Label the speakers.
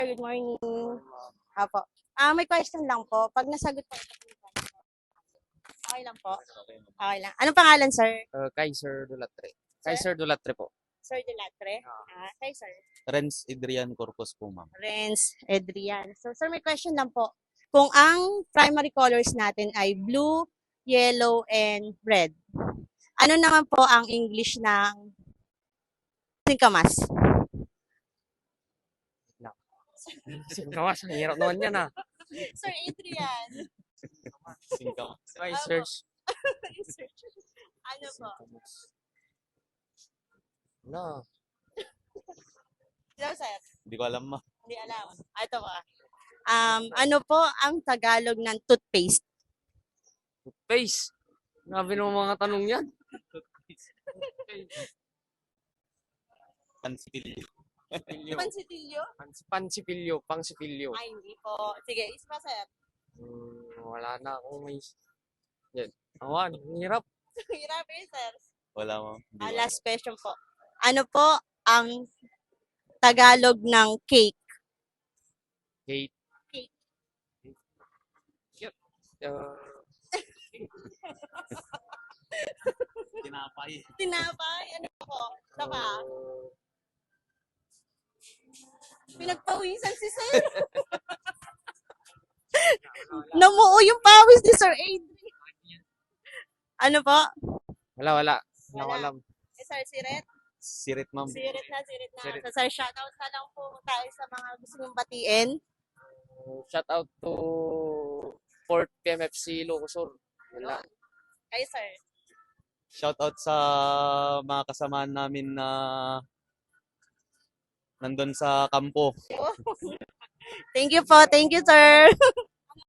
Speaker 1: Good morning. Apo. May question lang po. Pag nasagot po ito, okay lang po. Okay lang. Anong pangalan, sir?
Speaker 2: Kaiser Dulatre.
Speaker 1: Sir?
Speaker 2: Kaiser Dulatre po.
Speaker 1: Sir Delatre? Kay sir.
Speaker 3: Renz Adrian Corpus po, ma'am.
Speaker 1: Renz Edrian. So, sir, may question lang po. Kung ang primary colors natin ay blue, yellow, and red, ano naman po ang English ng singkamas?
Speaker 2: Singkamas, ang hirap naman yan
Speaker 1: Sir Adrian.
Speaker 3: Singkamas.
Speaker 2: Research.
Speaker 1: Ano po?
Speaker 2: No.
Speaker 1: Hello, sir.
Speaker 3: Hindi ko alam, ma'am.
Speaker 1: Hindi alam. Ito po. Ano po ang Tagalog ng toothpaste?
Speaker 2: Face. Grabe naman mga tanong yan.
Speaker 3: Pansipilyo.
Speaker 1: Pansitilyo?
Speaker 2: Pansipilyo. Pangsipilyo.
Speaker 1: Ay, hindi po. Sige, isa sir.
Speaker 2: Wala na akong may... Yan. Awan, hirap.
Speaker 1: Hirap eh, sir.
Speaker 3: Wala, ma'am. Hindi ko
Speaker 1: Last question po. Ano po ang Tagalog ng cake?
Speaker 2: Kate.
Speaker 1: Cake.
Speaker 2: Yep.
Speaker 3: alam. Tinapay.
Speaker 1: Tinapay? Ano po? Saka, pinagpawisan si sir. Namuo yung pawis ni Sir Adrian. Ano po?
Speaker 2: Wala. Wala ko
Speaker 1: Wala.
Speaker 2: alam.
Speaker 1: Sir, Siret?
Speaker 3: Sirit, ma'am.
Speaker 1: Sirit na.
Speaker 2: Sirit.
Speaker 1: So, sir, shoutout na lang po tayo sa mga gusto nyong batiin.
Speaker 2: Shout out to Fort PMFC Locosur. Wala.
Speaker 1: Kay sir.
Speaker 3: Shoutout sa mga kasamahan namin na nandun sa kampo.
Speaker 1: Thank you po. Thank you, sir.